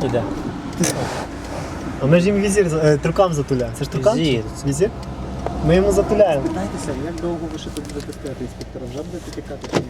Іде. А ми ж їм візір трукам затуляємо. Це ж трукам? Візір. Візір? Ми йому затуляємо. Питайтеся, як довго ви ще тут будете стояти, інспектора? Вже будете тікати чи ні?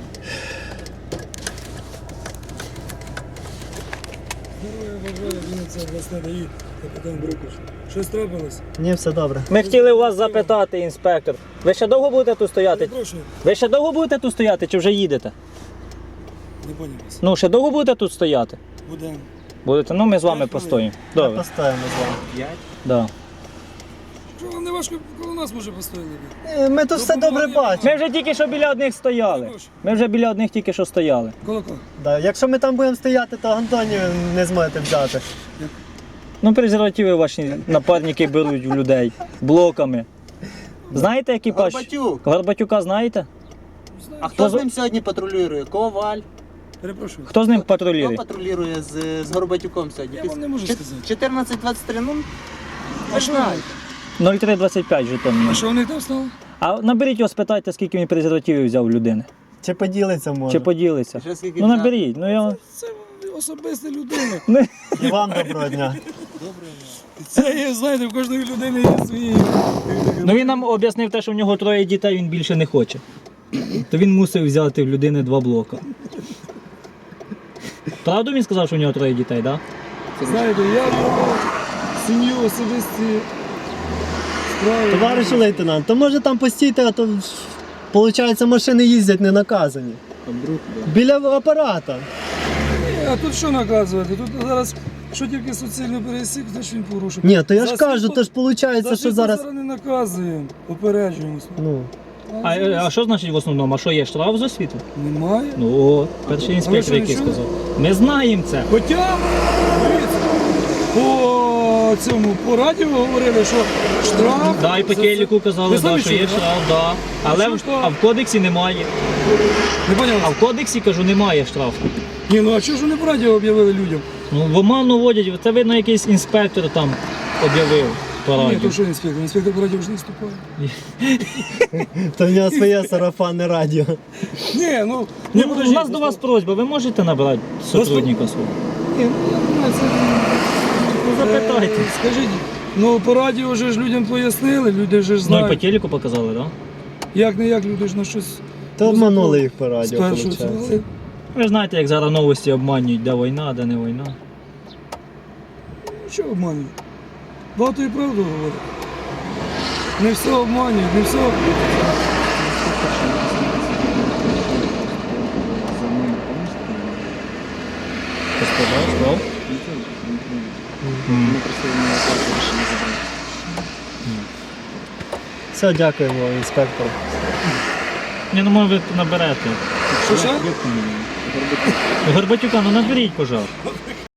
Героя бажаю, Вінниця, обласне ДАІ, капітан Брукаш. Щось трапилось? Ні, все добре. Ми хотіли у вас запитати, інспектор. Ви ще довго будете тут стояти? Перепрошую, Ви ще довго будете тут стояти чи вже їдете? не поняв вас. Ну, ще довго будете тут стояти? Будемо. Будете? Ну, ми з вами постоїмо. Добре. Постоїмо з вами. 5? Да. Що вам не важко, коло нас може постояли? Ми тут все добре бачимо. Ми вже тільки що біля одних стояли. Ми вже біля одних тільки що стояли. Коло кого? Да, якщо ми там будемо стояти, то Антонію не зможете взяти. Ну, презервативи ваші напарники беруть в людей блоками. Знаєте екіпаж? Горбатюк. Горбатюка знаєте? А хто з ним сьогодні патрулює? Коваль. Перепрошую. Хто з ним Хто патрулює? патрулює з Горбатюком сьогодні? Я вам не можу сказати. 14-23, ну, А ви що знаєте. 0325 жетон. А що вони там стали? А наберіть його, спитайте, скільки він презервативів взяв у людини. Чи поділиться може? Чи поділиться. Ще скільки Ну взяв? наберіть. Ну я. Це особиста людина. І вам доброго дня. Це є, знаєте, в кожної людини є свої. Ну він нам об'яснив те, що в нього 3 дітей, він більше не хоче. То він мусив взяти в людини 2 блока. Правду він сказав, що в нього 3 дітей, так? Да? Знаєте, я про сім'ю особисті справи. Товаришу лейтенант, то може там постійте, а то виходить машини їздять не наказані. Біля апарата. А тут що наказувати? Тут зараз, що тільки суцільно пересік, то ж він порушив. Ні, то я ж За кажу, світло- то ж виходить, за що світло зараз. не наказуємо, попереджуємося. Ну, А що значить в основному? А що є штраф за світло? Немає. Ну, о, перший інспектор, що, який не чули? сказав. Ми знаємо це. Хоча, дивіться, по радіо говорили, що штраф. Да, і по за телеку це- казали, Ви да, самі що є чули, штраф, да. Але що штраф? а в кодексі немає. Не поняв? А в кодексі, кажу, немає штрафу. Ні, ну а чого ж вони по радіо об'явили людям? Ну, в оману водять, це видно, якийсь інспектор там об'явив по Ні, радіо. то що інспектор? Інспектор по радіо ж не вступає. то в нього своє сарафанне радіо. Ні, ну, Ну, не у нас до вас просьба, ви можете набрати сотрудника свого? Ні, ну, я думаю, це... Ну, запитайте. Скажіть, ну по радіо вже ж людям пояснили, люди вже ж Ну і по знають. телеку показали, так? Да? Як не як, люди ж на щось То обманули їх по радіо, спершу виходить. цілили. Ви знаєте, як зараз новості обманюють, де війна, де не війна. Що обманюють? Багато і правду говорять. Не все обманюють, не все. Господарство. Все, дякуємо, інспектор. Ні, ну може ви наберете. Що ще? Горбатюка, ну наберіть, пожалуйста.